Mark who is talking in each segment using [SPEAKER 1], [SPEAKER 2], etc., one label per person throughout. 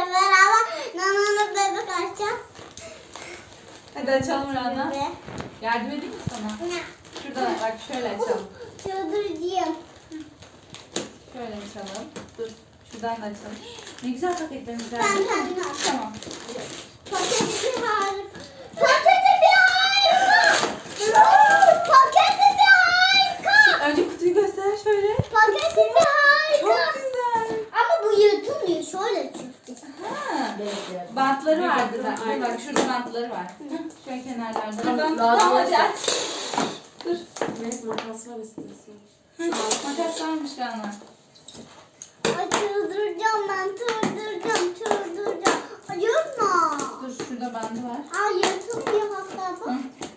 [SPEAKER 1] beraber Nana'nın bebek açacağız.
[SPEAKER 2] Hadi açalım Rana.
[SPEAKER 1] Bebe.
[SPEAKER 2] Yardım edeyim mi sana?
[SPEAKER 1] Ne?
[SPEAKER 2] Şuradan bak şöyle açalım.
[SPEAKER 1] Çıldıracağım.
[SPEAKER 2] Şöyle açalım. Dur. Şuradan da açalım. Ne güzel paketlerimiz var.
[SPEAKER 1] Ben kendim açacağım.
[SPEAKER 2] Tamam.
[SPEAKER 1] Paketi harika. Paketi bir harika. Paketi bir harika.
[SPEAKER 2] Önce kutuyu göster şöyle.
[SPEAKER 1] Paketi bir harika.
[SPEAKER 2] Çok güzel.
[SPEAKER 1] Ama bu yırtılmıyor. Şöyle çıktı.
[SPEAKER 2] Ha. Bantları vardı da. Dur bak şurada bantları var. Şöyle kenarlarda. Tamam hadi aç. Dur.
[SPEAKER 3] Evet, makas var istiyorsan.
[SPEAKER 2] Makas varmış Rana.
[SPEAKER 1] Ay çıldıracağım ben. Çıldıracağım. Ay yırtma.
[SPEAKER 2] Dur şurada bandı var.
[SPEAKER 1] Ay yırtılmıyor hatta bak.
[SPEAKER 2] Hı.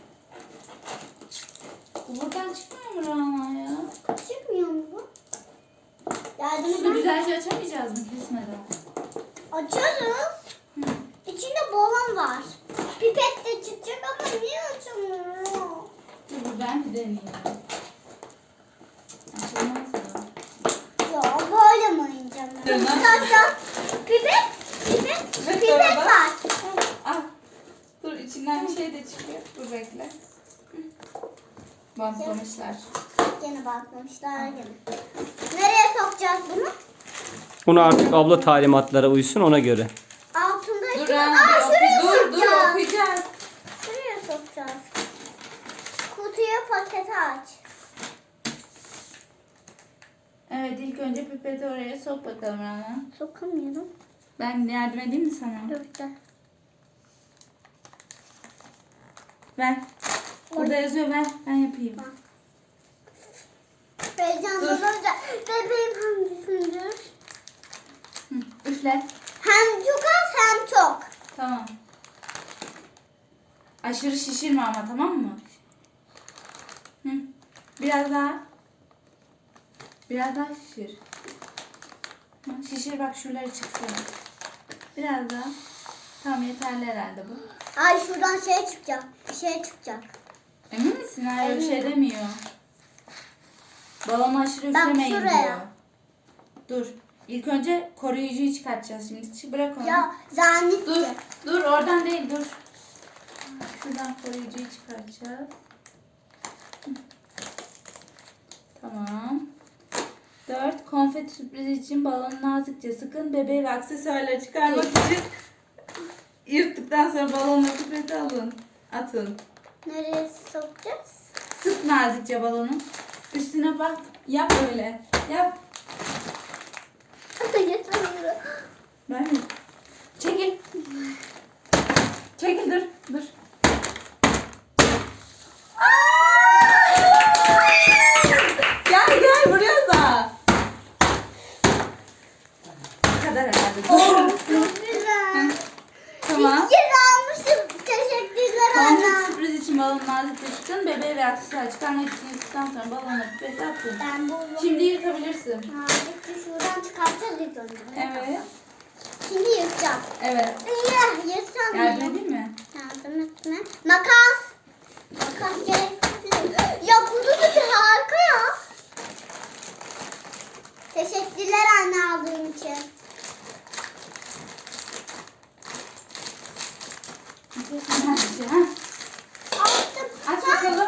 [SPEAKER 2] Bu buradan çıkmıyor mu Rana ya?
[SPEAKER 1] Çıkmıyor mu bu? Yardım
[SPEAKER 2] Şunu
[SPEAKER 1] eder.
[SPEAKER 2] güzelce açamayacağız mı kesmeden?
[SPEAKER 1] Açarız.
[SPEAKER 2] Hı.
[SPEAKER 1] İçinde balon var. Pipet de çıkacak ama niye açamıyor?
[SPEAKER 2] Dur ben bir deneyeyim. Açılmaz mı?
[SPEAKER 1] Ya böyle mi oynayacağım ben?
[SPEAKER 2] Tamam.
[SPEAKER 1] Arkadaşlar pipet
[SPEAKER 2] orada.
[SPEAKER 1] var.
[SPEAKER 2] Ah. Dur içinden bir şey de çıkıyor. Dur bekle. Hı. Bantlamışlar.
[SPEAKER 1] Gene bakmışlar gene. Nereye sokacağız bunu?
[SPEAKER 4] Bunu artık abla talimatlara uysun ona göre.
[SPEAKER 1] Altında
[SPEAKER 2] Dur
[SPEAKER 1] şu.
[SPEAKER 2] Rana.
[SPEAKER 1] Aa şuraya
[SPEAKER 2] Dur
[SPEAKER 1] sokacağız.
[SPEAKER 2] okuyacağız.
[SPEAKER 1] Şuraya sokacağız. Kutuyu paketi aç.
[SPEAKER 2] Evet ilk önce pipeti oraya sok bakalım Rana.
[SPEAKER 1] Sokamıyorum.
[SPEAKER 2] Ben yardım edeyim mi sana?
[SPEAKER 1] Dur da.
[SPEAKER 2] Ver. Burada yazıyor ver. Ben yapayım.
[SPEAKER 1] Heyecanlanınca bebeğim hangisindir?
[SPEAKER 2] Hı. Üfle.
[SPEAKER 1] Hem çok az hem çok.
[SPEAKER 2] Tamam. Aşırı şişirme ama tamam mı? Hı. Biraz daha. Biraz daha şişir. Hı. Şişir bak şuraları çıksın. Biraz daha. Tamam yeterli herhalde bu.
[SPEAKER 1] Ay şuradan şey çıkacak. Bir şey çıkacak.
[SPEAKER 2] Emin misin? Hayır bir şey
[SPEAKER 1] Eminim.
[SPEAKER 2] demiyor. Balonu aşırı
[SPEAKER 1] Bak
[SPEAKER 2] üflemeyin
[SPEAKER 1] şuraya.
[SPEAKER 2] diyor. Dur. İlk önce koruyucuyu çıkartacağız şimdi. Bırak onu.
[SPEAKER 1] Ya zannet.
[SPEAKER 2] Dur. Dur oradan değil dur. Şuradan koruyucuyu çıkartacağız. Hı. Tamam. 4. Konfeti sürprizi için balonu nazikçe sıkın. Bebeği ve aksesuarları çıkarmak için yırttıktan sonra balonla pipeti alın. Atın.
[SPEAKER 1] Nereye sokacağız?
[SPEAKER 2] Sık nazikçe balonu. Üstüne bak. Yap öyle. Yap.
[SPEAKER 1] Yeter.
[SPEAKER 2] Ben mi? Çekil. Çekil dur. Dur. Gel buraya da. Bu kadar herhalde.
[SPEAKER 1] Oh,
[SPEAKER 2] Dur.
[SPEAKER 1] çok güzel.
[SPEAKER 2] Tamam.
[SPEAKER 1] İyi almışım. Teşekkürler
[SPEAKER 2] Konfeti
[SPEAKER 1] anne.
[SPEAKER 2] sürpriz için balonu nazikçe sıkın. Bebeği ve aksesuar çıkarmak için yırttıktan sonra balonla pipeti atın.
[SPEAKER 1] Ben buldum.
[SPEAKER 2] Şimdi yırtabilirsin.
[SPEAKER 1] Bitti şuradan çıkartacağız ilk önce.
[SPEAKER 2] Evet.
[SPEAKER 1] Şimdi yırtacağım.
[SPEAKER 2] Evet.
[SPEAKER 1] Yırtacağım.
[SPEAKER 2] Yardım edeyim mi?
[SPEAKER 1] Yardım etme. Makas. Makas gerekli. Ya kutusu harika ya. Teşekkürler anne aldığın için.
[SPEAKER 2] Ha.
[SPEAKER 1] Açtım.
[SPEAKER 2] Aç bakalım.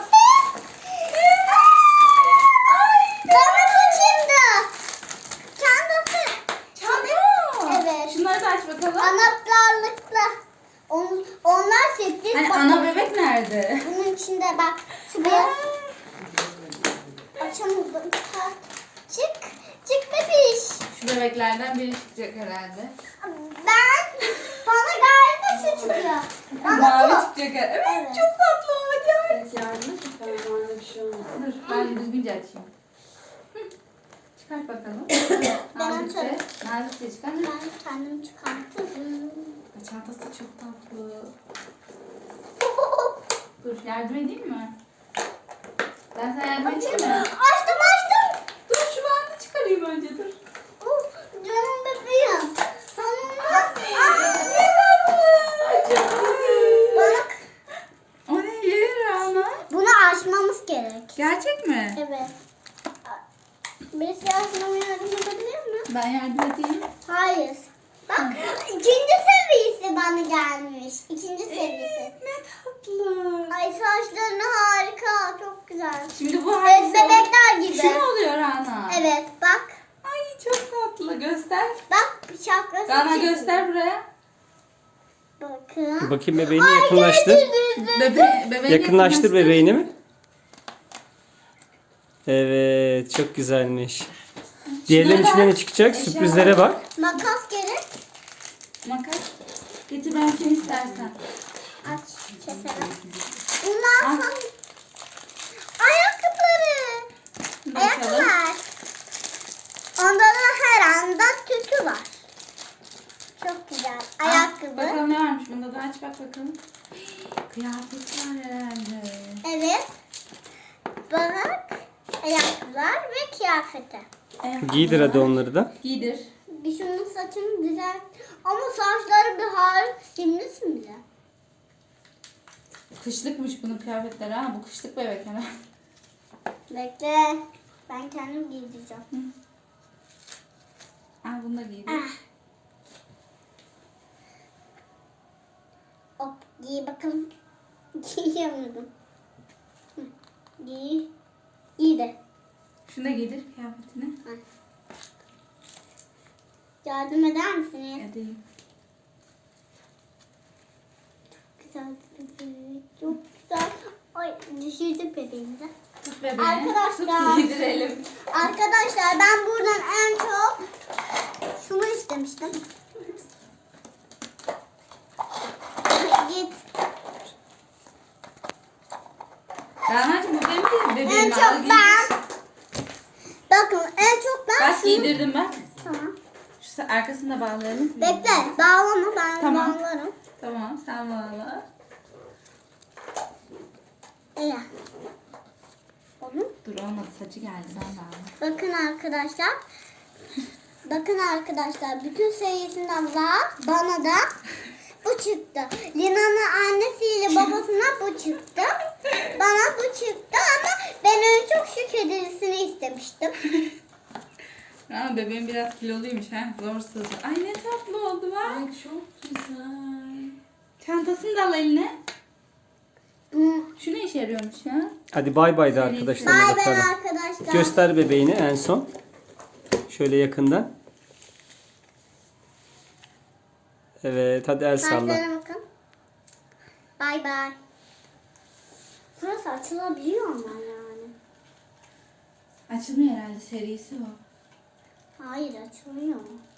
[SPEAKER 1] Çantası şimdi. Çantası.
[SPEAKER 2] Çanta.
[SPEAKER 1] Evet.
[SPEAKER 2] Şunları da aç bakalım.
[SPEAKER 1] Anahtarlıkla. Onlar sürpriz.
[SPEAKER 2] Hani
[SPEAKER 1] Bak,
[SPEAKER 2] ana bebek nerede?
[SPEAKER 1] bunun içinde bak. Şu beyaz. Açamadım. Ha, çık. Çık bebiş.
[SPEAKER 2] Şu bebeklerden biri çıkacak herhalde.
[SPEAKER 1] Bana galiba şu çıkıyor. Bana
[SPEAKER 2] Mavi
[SPEAKER 1] bu.
[SPEAKER 2] çıkacak herhalde. Evet,
[SPEAKER 1] Evet.
[SPEAKER 2] çok tatlı o. Hadi aç.
[SPEAKER 3] Evet, yardım et. Ben orada bir şey olmaz.
[SPEAKER 2] Dur ben düzgünce açayım. Hı. Çıkart bakalım.
[SPEAKER 1] Ben
[SPEAKER 2] Nazikçe.
[SPEAKER 1] açarım.
[SPEAKER 2] Nazikçe çıkar.
[SPEAKER 1] Ben kendim çıkartırım.
[SPEAKER 2] Çantası çok tatlı. Dur yardım edeyim mi? Ben sana yardım edeyim mi?
[SPEAKER 1] Açtım.
[SPEAKER 2] Dur şu bandı çıkarayım önce dur.
[SPEAKER 1] Canım bebeğim. Sonunda. Bak.
[SPEAKER 2] O ne yer ana?
[SPEAKER 1] Bunu açmamız gerek.
[SPEAKER 2] Gerçek mi?
[SPEAKER 1] Evet. Birisi açmama yardım edebilir mi?
[SPEAKER 2] Ben yardım edeyim.
[SPEAKER 1] Hayır. Bak. İkinci İkinci serisi.
[SPEAKER 2] Ne tatlı.
[SPEAKER 1] Ay saçlarını harika. Çok güzel.
[SPEAKER 2] Şimdi bu
[SPEAKER 1] Evet,
[SPEAKER 2] hangisi?
[SPEAKER 1] bebekler gibi.
[SPEAKER 2] Şu mu oluyor Rana?
[SPEAKER 1] Evet bak.
[SPEAKER 2] Ay çok tatlı. Göster.
[SPEAKER 1] Bak şapkası.
[SPEAKER 2] Rana
[SPEAKER 1] çıktı.
[SPEAKER 2] göster buraya.
[SPEAKER 1] Bakın.
[SPEAKER 4] Bakayım bebeğini yakınlaştır.
[SPEAKER 2] Bebeğini
[SPEAKER 4] Yakınlaştır bebeğini mi? Evet, çok güzelmiş. Diğerlerinin
[SPEAKER 2] Şurada
[SPEAKER 4] içinden ne çıkacak?
[SPEAKER 2] eşya
[SPEAKER 4] Sürprizlere
[SPEAKER 2] var.
[SPEAKER 4] bak.
[SPEAKER 1] Makas gerek.
[SPEAKER 2] Makas. Getir ben kim istersen.
[SPEAKER 1] Aç keselim. Bunlar
[SPEAKER 2] Aç.
[SPEAKER 1] son... Ayakkabıları.
[SPEAKER 2] Bunu da açalım.
[SPEAKER 1] Ayakkabılar. Onda da her anda tütü var. Çok güzel. Ayakkabı.
[SPEAKER 2] Bakalım ne varmış bunda da aç bak bakalım. Kıyafet var herhalde.
[SPEAKER 1] Evet. Bak. Ayakkabılar ve kıyafeti.
[SPEAKER 4] Giydir hadi onları da.
[SPEAKER 2] Giydir.
[SPEAKER 1] Bir şunun saçını güzel. Ama saçları bir harika. Simli.
[SPEAKER 2] Kışlıkmış bunun kıyafetleri ha. Bu kışlık bebek hemen.
[SPEAKER 1] Bekle. Ben kendim giydireceğim.
[SPEAKER 2] Al bunu da giydir.
[SPEAKER 1] Ah. Hop giy bakalım. Giyemedim. Hı, Giy. Giydi.
[SPEAKER 2] Şunu da giydir kıyafetini.
[SPEAKER 1] Yardım eder misiniz?
[SPEAKER 2] Edeyim.
[SPEAKER 1] Güzel bebeğim. Çok güzel. Ay düşürdük bebeğimizi.
[SPEAKER 2] Tut bebeğini.
[SPEAKER 1] Arkadaşlar.
[SPEAKER 2] Tut giydirelim.
[SPEAKER 1] Arkadaşlar ben buradan en çok şunu istemiştim. Git.
[SPEAKER 2] Rana'cığım bu benim değil.
[SPEAKER 1] En
[SPEAKER 2] Bebeğimi al
[SPEAKER 1] çok
[SPEAKER 2] giydir.
[SPEAKER 1] ben. Bakın en çok ben
[SPEAKER 2] Bak
[SPEAKER 1] şunu.
[SPEAKER 2] giydirdim ben.
[SPEAKER 1] Tamam.
[SPEAKER 2] Şu arkasını da bağlayalım.
[SPEAKER 1] Bekle. Bağlama ben
[SPEAKER 2] Tamam.
[SPEAKER 1] bağlarım.
[SPEAKER 2] Tamam sen bağla.
[SPEAKER 1] İyi. Onu.
[SPEAKER 2] Dur olmadı saçı geldi ben bağla.
[SPEAKER 1] Bakın arkadaşlar. Bakın arkadaşlar. Bütün serisinden var. Bana da bu çıktı. Lina'nın annesiyle babasına bu çıktı. Bana bu çıktı ama ben en çok şu kedilisini istemiştim.
[SPEAKER 2] Rana bebeğim biraz kiloluymuş ha. Zor sığacak. Ay ne tatlı oldu bak.
[SPEAKER 3] Ay çok güzel.
[SPEAKER 2] Çantasını da al eline.
[SPEAKER 1] Hmm.
[SPEAKER 2] Şu ne işe yarıyormuş ya?
[SPEAKER 4] Hadi bay bay de
[SPEAKER 2] Serisi.
[SPEAKER 4] arkadaşlarına
[SPEAKER 1] Bay bay
[SPEAKER 4] bakalım.
[SPEAKER 1] arkadaşlar.
[SPEAKER 4] Göster bebeğini en son. Şöyle yakından. Evet, hadi el salla.
[SPEAKER 1] Saçlara bakın. Bay bay. Burası açılabiliyor ama yani.
[SPEAKER 2] Açılmıyor herhalde serisi o.
[SPEAKER 1] Hayır açılmıyor.